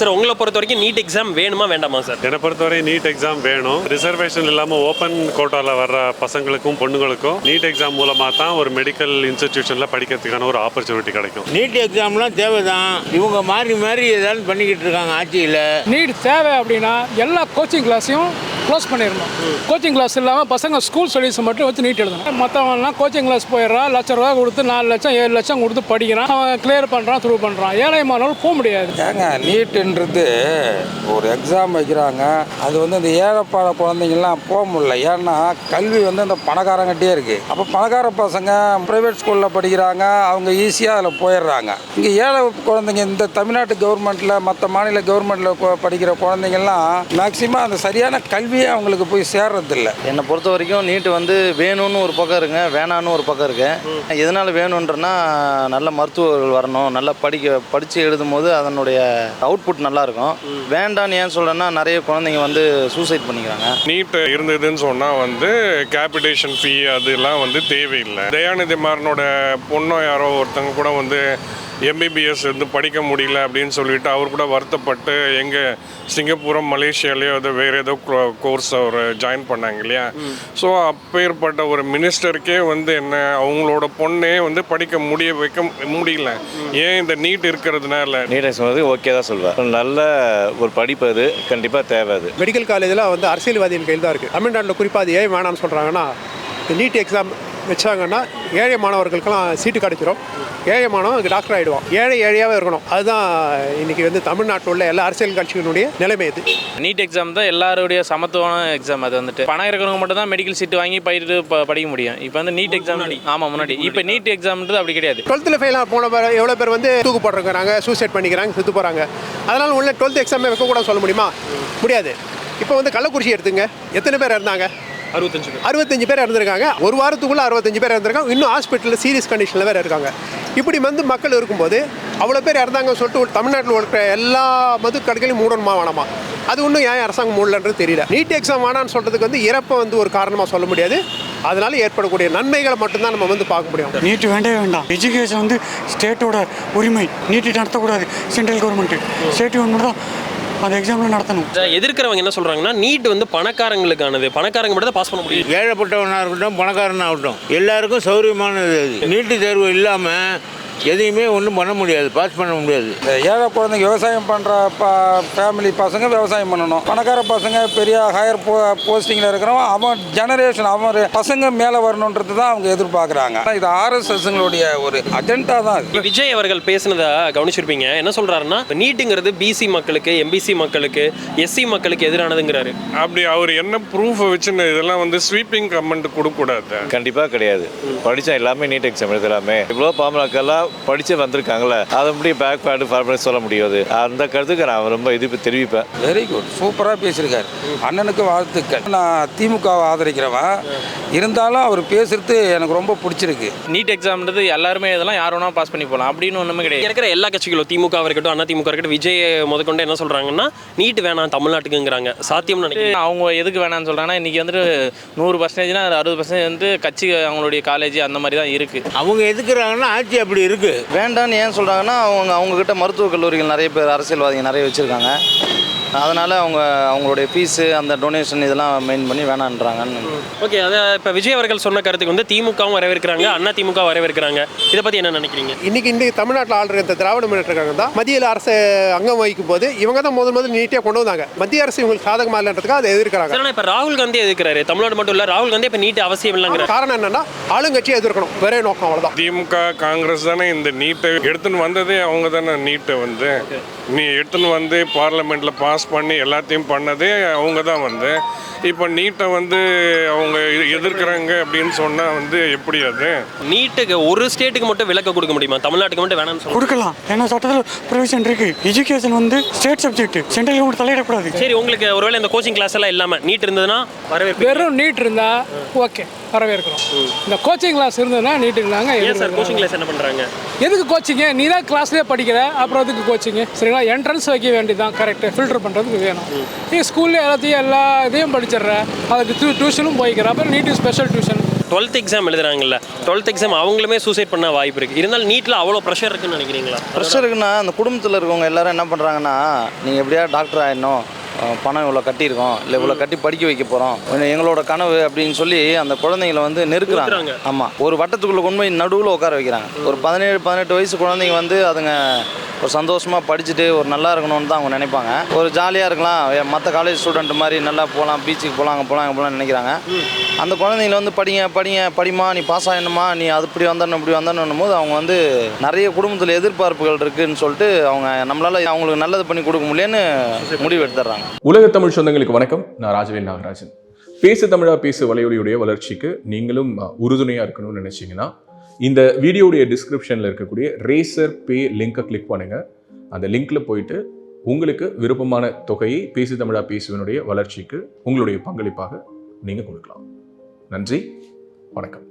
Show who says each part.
Speaker 1: Sir உங்களை பொறுத்த வரைக்கும் நீட் எக்ஸாம் வேணுமா வேண்டாமா சார்?
Speaker 2: என்னை பொறுத்தவரை நீட் எக்ஸாம் வேணும். ரிசர்வேஷன் இல்லாமல் ஓப்பன் கோட்டாவில் வர்ற பசங்களுக்கும் பொண்ணுங்களுக்கும் நீட் எக்ஸாம் மூலமாக தான் ஒரு மெடிக்கல் இன்ஸ்டிடியூஷனில் படிக்கிறதுக்கான ஒரு ஆப்பர்ச்சுனிட்டி கிடைக்கும்.
Speaker 3: நீட் எக்ஸாம்லாம் தேவைதான். இவங்க மாறி ஏதாவது பண்ணிக்கிட்டு இருக்காங்க ஆட்சியில்.
Speaker 4: நீட் தேவை அப்படின்னா எல்லா கோச்சிங் கிளாஸையும் க்ளோஸ் பண்ணிடணும். கோச்சிங் கிளாஸ் இல்லாமல் பசங்க ஸ்கூல் ஸ்டடீஸ் மட்டும் வச்சு நீட் எழுதணும். மற்றவங்கலாம் கோச்சிங் கிளாஸ் போயிடுறான், ₹1,00,000 கொடுத்து 4 லட்சம் 7 லட்சம் கொடுத்து படிக்கிறான், அவன் கிளியர் பண்ணுறான், த்ரூ பண்ணுறான். ஏழை மாணவர்கள் போக முடியாது.
Speaker 5: ஏங்க நீட்டுன்றது ஒரு எக்ஸாம் வைக்கிறாங்க, அது அந்த ஏழைப்பாட குழந்தைங்கள்லாம் போக முடியல. ஏன்னா கல்வி அந்த பணக்காரங்கிட்டே இருக்குது. அப்போ பணக்கார பசங்க ப்ரைவேட் ஸ்கூலில் படிக்கிறாங்க, அவங்க ஈஸியாக அதில் போயிடுறாங்க. இங்கே ஏழை குழந்தைங்க இந்த தமிழ்நாட்டு கவர்மெண்ட்டில் மற்ற மாநில கவர்மெண்ட்டில் படிக்கிற குழந்தைங்கள்லாம் மேக்சிமம் அந்த சரியான கல்வியே அவங்களுக்கு போய் சேர்றதில்ல.
Speaker 6: என்னை பொறுத்த வரைக்கும் நீட்டு வேணும்னு ஒரு பக்கம் இருக்குங்க, வேணான்னு ஒரு பக்கம் இருக்கு. எதனால் வேணுன்றனா நல்ல மருத்துவர்கள் வரணும், நல்லா படித்து எழுதும் போது அதனுடைய அவுட்புட் நல்லா இருக்கும். வேண்டான்னு ஏன் சொல்கிறேன்னா நிறைய குழந்தைங்க சூசைட் பண்ணிக்கிறாங்க.
Speaker 7: நீட் இருந்ததுன்னு சொன்னால் கேபிடேஷன் ஃபீ அதெல்லாம் தேவையில்லை. தயாநிதி மாறனோட பொண்ணோ யாரோ ஒருத்தங்க கூட எம்பிபிஎஸ் படிக்க முடியல அப்படின்னு சொல்லிட்டு அவர் கூட வருத்தப்பட்டு எங்கே சிங்கப்பூரம் மலேசியாலேயோ அது வேறு ஏதோ கோர்ஸ் அவர் ஜாயின் பண்ணாங்க இல்லையா. ஸோ அப்பேற்பட்ட ஒரு மினிஸ்டருக்கே என்ன அவங்களோட பொண்ணே படிக்க வைக்க முடியல. ஏன் இந்த நீட் இருக்கிறதுனால.
Speaker 8: நீட் சொன்னது ஓகே தான் சொல்வேன். நல்ல ஒரு படிப்பு அது கண்டிப்பாக தேவை. அது
Speaker 9: மெடிக்கல் காலேஜில் அரசியல்வாதியின் கையில் தான் இருக்குது. தமிழ்நாட்டில் குறிப்பாக அது ஏன் வேணாம்னு சொல்கிறாங்கன்னா, நீட் எக்ஸாம் வச்சாங்கன்னா ஏழை மாணவர்களுக்கெல்லாம் சீட்டு கிடைச்சிரும். ஏழை மாணவன் டாக்டர் ஆகிடுவான். ஏழையாகவே இருக்கணும். அதுதான் இன்றைக்கி தமிழ்நாட்டில் உள்ள எல்லா அரசியல் கட்சிகளுடைய நிலைமை. இது
Speaker 10: நீட் எக்ஸாம் தான் எல்லாருடைய சமத்துவமான எக்ஸாம். அது பணம் இருக்கிறவங்க மட்டும் தான் மெடிக்கல் சீட்டு வாங்கி படிக்க முடியும். இப்போ நீட் எக்ஸாம் ஆமாம் முன்னாடி. இப்போ நீட் எக்ஸாம்ன்றது அப்படி கிடையாது.
Speaker 9: 12th ஃபெயிலாக போன எவ்வளோ பேர் தூக்கு போடுறாங்க, சூசைட் பண்ணிக்கிறாங்க, செத்து போகிறாங்க. அதனால் உள்ள 12th எக்ஸாமே வைக்கக்கூடாது சொல்ல முடியுமா? முடியாது. இப்போ கள்ளக்குறிச்சி எடுத்துங்க, எத்தனை பேர் இருந்தாங்க? 65 பேர் இறந்துருக்காங்க. ஒரு வாரத்துக்குள்ளே 65 பேர் இறந்துருக்காங்க. இன்னும் ஹாஸ்பிட்டலில் சீரியஸ் கண்டிஷனில் வேறு இருக்காங்க. இப்படி மக்கள் இருக்கும்போது அவ்வளோ பேர் இறந்தாங்கன்னு சொல்லிட்டு தமிழ்நாட்டில் இருக்கிற எல்லா மது கடைகளையும் மூடணுமா வேணாமா? அது இன்னும் ஏன் அரசாங்கம் மூடலன்றது தெரியல. நீட் எக்ஸாம் வேணான்னு சொல்கிறதுக்கு இறப்பை ஒரு காரணமாக சொல்ல முடியாது. அதனால ஏற்படக்கூடிய நன்மைகளை மட்டும்தான் நம்ம பார்க்க முடியும்.
Speaker 11: நீட் வேண்டவே வேண்டாம். எஜுகேஷன் ஸ்டேட்டோட உரிமை. நீட்டு நடத்தக்கூடாது. சென்ட்ரல் கவர்மெண்ட் ஸ்டேட் கவர்மெண்ட் தான் அந்த எக்ஸாம்ல நடத்தணும்.
Speaker 1: எதிர்க்கிறவங்க என்ன சொல்றாங்கன்னா, நீட் பணக்காரங்களுக்கானது, பணக்காரங்க மட்டும் தான் பாஸ் பண்ண முடியும்.
Speaker 3: ஏழைப்பட்டவனாக இருக்கட்டும், பணக்காரனாகட்டும், எல்லாருக்கும் சௌரியமானது. நீட்டு தேர்வு இல்லாமல் எதையுமே ஒன்றும் பண்ண முடியாது, பாஸ் பண்ண முடியாது.
Speaker 5: இந்த ஏழை குழந்தைங்க விவசாயம் பண்ணுற ஃபேமிலி பசங்க விவசாயம் பண்ணணும். பணக்கார பசங்க பெரிய ஹையர் போஸ்டிங்கில் இருக்கிறவன் அவன் ஜெனரேஷன் அவன் பசங்க மேலே வரணுன்றது தான் அவங்க எதிர்பார்க்குறாங்க. இது ஆர்எஸ்எஸ்ங்களுடைய ஒரு அஜெண்டா தான்.
Speaker 1: விஜய் அவர்கள் பேசினதை கவனிச்சிருப்பீங்க. என்ன சொல்கிறாருன்னா, நீட்டுங்கிறது பிசி மக்களுக்கு, எம்பிசி மக்களுக்கு, எஸ்சி மக்களுக்கு எதிரானதுங்கிறாரு.
Speaker 7: அப்படி அவர் என்ன ப்ரூஃப் வச்சுன்னு இதெல்லாம் ஸ்வீப்பிங் கமெண்ட் கொடுக்கக்கூடாது.
Speaker 8: கண்டிப்பாக கிடையாது. படித்தா எல்லாமே நீட் எக்ஸாம் எழுதலாமே. இவ்வளோ பாமகலாம் படிச்சு வந்திருக்காங்களே, அதை முடியும் பேக் பேடு ஃபார்மேட் சொல்ல முடியாது. அந்த கருத்துக்கு நான் ரொம்ப எதிர்ப்பு தெரிவிப்பேன்.
Speaker 5: வெரி குட், சூப்பராக பேசியிருக்காரு. அண்ணனுக்கு வாழ்த்துக்கள். நான் திமுகவை ஆதரிக்கிறவன் இருந்தாலும் அவர் பேசுறது எனக்கு ரொம்ப பிடிச்சிருக்கு.
Speaker 10: நீட் எக்ஸாம்ன்றது எல்லாருமே இதெல்லாம் யார் வேணா பாஸ் பண்ணி போகலாம் அப்படின்னு ஒன்றுமே கிடையாது.
Speaker 1: இருக்கிற எல்லா கட்சிகளும் திமுக இருக்கட்டும், அண்ணா திமுக இருக்கட்டும், விஜய் முதற்கொண்டு என்ன சொல்றாங்கன்னா, நீட் வேணாம் தமிழ்நாட்டுக்குங்கிறாங்க. சாத்தியம் நினைக்கிறேன்.
Speaker 10: அவங்க எதுக்கு வேணாம்னு சொல்றாங்கன்னா, இன்னைக்கு 100%னா 60% கட்சி அவங்களுடைய காலேஜ் அந்த மாதிரி தான் இருக்கு.
Speaker 3: அவங்க எதுக்குறாங்கன்னா ஆட்சி அப்படி இருக்கு.
Speaker 6: வேண்டான்னு ஏன் சொல்கிறாங்கன்னா, அவங்கக்கிட்ட மருத்துவக் கல்லூரிகள் நிறைய பேர் அரசியல்வாதிகள் நிறைய வச்சுருக்காங்க. அதனால் அவங்களுடைய ஃபீஸு அந்த டொனேஷன் இதெல்லாம் மெயின் பண்ணி வேணான்றாங்கன்னு.
Speaker 1: ஓகே, அதை இப்போ விஜய் அவர்கள் சொன்ன கருத்துக்கு திமுகவும் வரவேற்கிறாங்க, அண்ணா திமுக வரவேற்கிறாங்க. இதை பற்றி என்ன நினைக்கிறீங்க?
Speaker 9: இன்னைக்கு தமிழ்நாட்டில் ஆளுற இந்த திராவிட முன்னேற்ற கழகம் தான் மத்தியில் அரசு அங்கம் வகிக்கும் போது இவங்க தான் முதல் நீட்டாக கொண்டு வந்தாங்க. மத்திய அரசு இவங்களுக்கு சாதகமாக இல்லைன்றதுக்காக அதை எதிர்க்கிறாங்க.
Speaker 1: ஆனால் இப்போ ராகுல் காந்தி எதிர்க்கிறாரு. தமிழ்நாடு மட்டும் இல்லை, ராகுல் காந்தி இப்போ நீட் அவசியம் இல்லைங்கிற
Speaker 9: காரணம் என்னன்னா, ஆளுங்கட்சியை எதிர்க்கணும், வேற நோக்கம் அவ்வளோதான்.
Speaker 7: திமுக காங்கிரஸ் தானே இந்த நீட்டை எடுத்துன்னு வந்ததே. அவங்க தானே நீட்டை நீ எடுத்துன்னு பார்லிமெண்ட்டில் பாஸ் பண்ணி எல்லாத்தையும் பண்ணதே அவங்க தான். இப்போ நீட்டை அவங்க எதிர்க்கிறாங்க அப்படின்னு சொன்னால் எப்படி? அது
Speaker 1: நீட்டுக்கு ஒரு ஸ்டேட்டுக்கு மட்டும் விலக்கு கொடுக்க முடியுமா? தமிழ்நாட்டுக்கு மட்டும் வேணாம்னு
Speaker 11: கொடுக்கலாம். ஏன்னா சட்டத்தில் ப்ரொவிஷன் இருக்கு. Education state subject, central government தலையிடக்கூடாது.
Speaker 1: சரி, உங்களுக்கு ஒருவேளை இந்த கோச்சிங் கிளாஸ் எல்லாம் இல்லாமல் நீட் இருந்ததுன்னா வரவேற்பு.
Speaker 4: வெறும் நீட் இருந்தா ஓகே, வரவேற்கிறோம். இந்த கோச்சிங் கிளாஸ் இருந்ததுன்னா நீட் இருந்தாங்க.
Speaker 1: சார் கோச்சிங் கிளாஸ் என்ன பண்ணுறாங்க?
Speaker 4: எதுக்கு கோச்சிங்க? நீ தான் கிளாஸ்லேயே படிக்கிற, அப்புறம் எதுக்கு கோச்சிங்க? சரிங்களா, என்ட்ரன்ஸ் வைக்க வேண்டியதான். கரெக்டு, ஃபில்டர் பண்ணுறதுக்கு வேணும். நீ ஸ்கூல்ல எல்லா இதையும் படிச்சிடுற, அதுக்கு டியூஷனும் போய்க்கிற, அப்புறம் NEET special tuition
Speaker 1: 12th exam எழுதுறாங்கல்ல, 12th எக்ஸாம் அவங்களுமே சூசைட் பண்ண வாய்ப்பு இருக்குது. இருந்தாலும் நீட்டில் அவ்வளோ ப்ரெஷர் இருக்குன்னு நினைக்கிறீங்களா?
Speaker 6: ப்ரெஷர் இருக்குன்னா அந்த குடும்பத்தில் இருக்கவங்க எல்லாரும் என்ன பண்ணுறாங்கன்னா, நீங்கள் எப்படியா டாக்டர் ஆகிடணும், பணம் இவ்வளோ கட்டியிருக்கோம், இல்லை இவ்வளோ கட்டி படிக்க வைக்க போகிறோம், எங்களோட கனவு அப்படின்னு சொல்லி அந்த குழந்தைங்களை வந்து நெருக்குறாங்க. ஆமாம், ஒரு வட்டத்துக்குள்ளே கொண்டு போய் நடுவில் உட்கார வைக்கிறாங்க. ஒரு 17-18 வயசு குழந்தைங்க வந்து அதுங்க ஒரு சந்தோஷமாக படிச்சுட்டு ஒரு நல்லா இருக்கணும்னு தான் அவங்க நினைப்பாங்க. ஒரு ஜாலியாக இருக்கலாம், மற்ற காலேஜ் ஸ்டூடெண்ட் மாதிரி நல்லா போகலாம், பீச்சுக்கு போகலாம், அங்கே போகலாம், அங்கே போகலான்னு நினைக்கிறாங்க. அந்த குழந்தைங்கள வந்து படிமா, நீ பாஸ் ஆகணுமா, நீ அது இப்படி வந்தணும் இப்படி வந்தணும் போது அவங்க வந்து நிறைய குடும்பத்தில் எதிர்பார்ப்புகள் இருக்குதுன்னு சொல்லிட்டு அவங்க நம்மளால் அவங்களுக்கு நல்லது பண்ணி கொடுக்க முடியலன்னு முடிவு எடுத்துடுறாங்க.
Speaker 12: உலக தமிழ் சொந்தங்களுக்கு வணக்கம். நான் ராஜவேல் நாகராஜன். பேசு தமிழா பேசு வலையொலியுடைய வளர்ச்சிக்கு நீங்களும் உறுதுணையாக இருக்கணும்னு நினச்சிங்கன்னா இந்த வீடியோடைய டிஸ்கிரிப்ஷனில் இருக்கக்கூடிய ரேசர் பே லிங்கை கிளிக் பண்ணுங்கள். அந்த லிங்க்கில் போயிட்டு உங்களுக்கு விருப்பமான தொகையை பேசு தமிழா பேசுவனுடைய வளர்ச்சிக்கு உங்களுடைய பங்களிப்பாக நீங்கள் கொடுக்கலாம். நன்றி, வணக்கம்.